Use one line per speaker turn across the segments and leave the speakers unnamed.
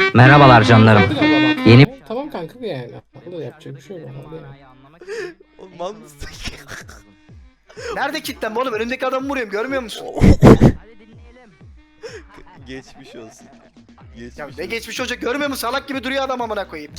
Merhabalar canlarım.
Geldi galiba bak.
Yeni
Tamam kanka yani. O da yapacak bir şey yok. Yani.
Oğlum mal mısın?
Nerede kilitlen oğlum? Önündeki adamı vuruyorum, görmüyor musun?
Geçmiş olsun. Geçmiş
Ya ne
olsun.
geçmiş olacak, görmüyor musun? Salak gibi duruyor adam, amına koyayım.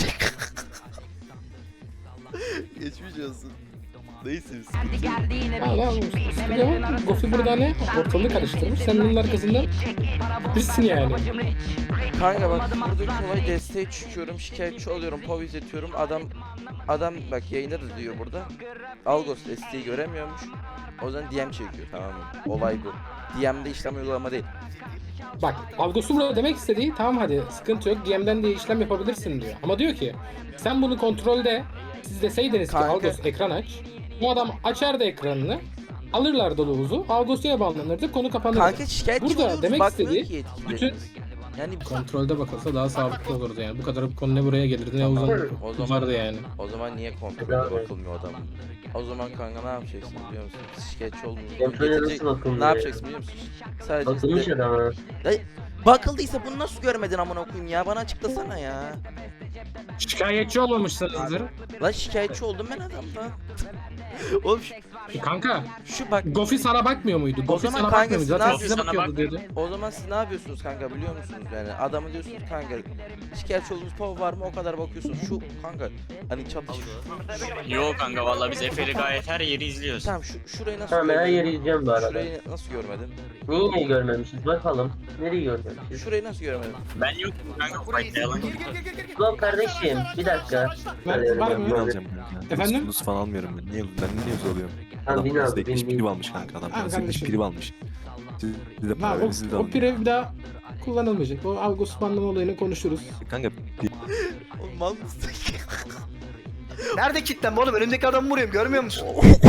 Geçmiş olsun. Neyse biz.
Hala sıkılıyor. Gofi burada ne? Ortalığı karıştırmış. Sen bunun arkasından bizsin yani.
Kanka bak buradaki olay desteğe çıkıyorum, şikayetçi oluyorum, pov izletiyorum. Adam bak yayında da diyor burada. Algos desteği göremiyormuş. O zaman DM çekiyor, tamam mı? Olay bu. DM'de işlem uygulama değil.
Bak Algos'un burada demek istediği tamam hadi sıkıntı yok DM'den de işlem yapabilirsin diyor. Ama diyor ki sen bunu kontrolde siz deseydiniz
Kanka.
ki Algos ekran aç. Bu adam açardı ekranını. Alırlardı Loğuz'u. Algos'a bağlanırdı. Konu kapanırdı.
Kanka şikayetçi
Burada
oluyoruz,
demek
bakmıyor
istediği
ki yetkililerimiz.
bütün
Yani
kontrolde bakılsa daha sağlıklı olurdu yani. Bu kadar konu ne buraya gelirdi ne
Tamam.
uzanırdı.
O zaman-
Vardı yani.
o zaman niye kontrolde bakılmıyor adam? O zaman kanka ne yapacaksın biliyor musun? Biz şikayetçi olduğumuzu
Kontrole
getirecek.
nasıl bakılmıyor
Ne
ya?
yapacaksın biliyor musun? Sadece
Bakılmış
de-
adama.
Bakıldıysa bunu nasıl görmedin amına koyayım ya? Bana açıklasana ya.
Şikayetçi olmamışsınızdır.
Lan şikayetçi oldum ben adamdan. Oğlum
Kanka
şu bak,
Gofi sana bakmıyor muydu? Gofi
zaman
sana
kanka
bakmıyor muydu?
siz
Zaten
ne
size
yapıyorsun?
bakıyordu dedi.
o zaman siz ne yapıyorsunuz kanka biliyor musunuz yani? Adamı diyorsunuz kanka şikayetçi olduğunuz pov var mı, o kadar bakıyorsunuz. Şu kanka hani çatışma.
Yo kanka vallahi biz Efe'li gayet her yeri izliyoruz.
Tamam şurayı nasıl
Tamam ben her
görmedin?
yeri izleyeceğim bu arada.
Şurayı nasıl görmedin?
Niye görmemişiz bakalım. Nereyi görmemişiz?
Şurayı nasıl görmedin?
Ben yokum kanka fightlayalım.
Ulan kardeşim bir dakika.
Var mı?
Ben alacağım kanka.
Efendim?
Nus falan almıyorum ben. Niye zorluyorum?
Tamam,
Adam
bin
parası
abi,
ekmiş
bin.
prim almış kanka adam.
Abi
Parası ekmiş
kardeşim.
prim almış. Siz de para
Ha,
verin siz de
o
alın.
pire bir daha kullanılmayacak. O Algos banlama olayını konuşuruz.
Kanka
Oğlum mal mısın?
Nerede kilitlen oğlum? Önündeki adamı vuruyorum, görmüyor musun?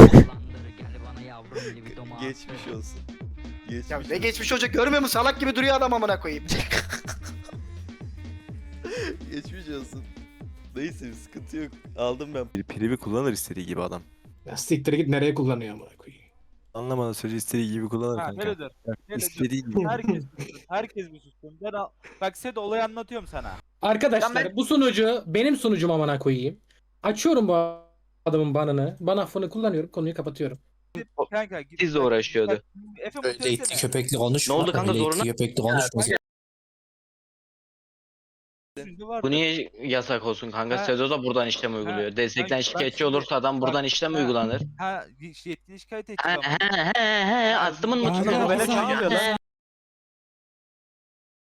Geçmiş olsun. Geçmiş
Ya ne
olsun.
geçmiş olacak, görmüyor musun? Salak gibi duruyor adam, amına koyayım.
Geçmiş olsun. Neyse bir sıkıntı yok. Aldım ben.
primi kullanır istediği gibi adam.
Ya siktir git nereye kullanıyor amına koyayım.
Anlamadan sürece istediği gibi kullanır
Ha,
kanka.
neredir? Neredir?
İstediği gibi.
Herkes bir sussun. Bak Sedo olayı anlatıyorum sana.
Arkadaşlar bu sunucu benim sunucum amına koyayım. Açıyorum bu adamın banını. Ban affını kullanıyorum. Konuyu kapatıyorum.
Kanka git.
Bizle uğraşıyordu.
Bak, Efe bu
Öyle itli
söylesene.
köpekli konuşma.
Ne oldu kanka,
öyle itli
zoruna-
köpekli konuşma.
Şimdi var
Bu
da-
niye yasak olsun kanka?
Ha.
Sezo da buradan işlem uyguluyor. Destekten
Ben
şikayetçi
şimdi-
olursa adam buradan işlem
Ha,
uygulanır.
Ha yetkili şikayet
He
edeceğim.
he he he astımın mı
Kanka,
tutuyor?
bana
çalmıyor lan.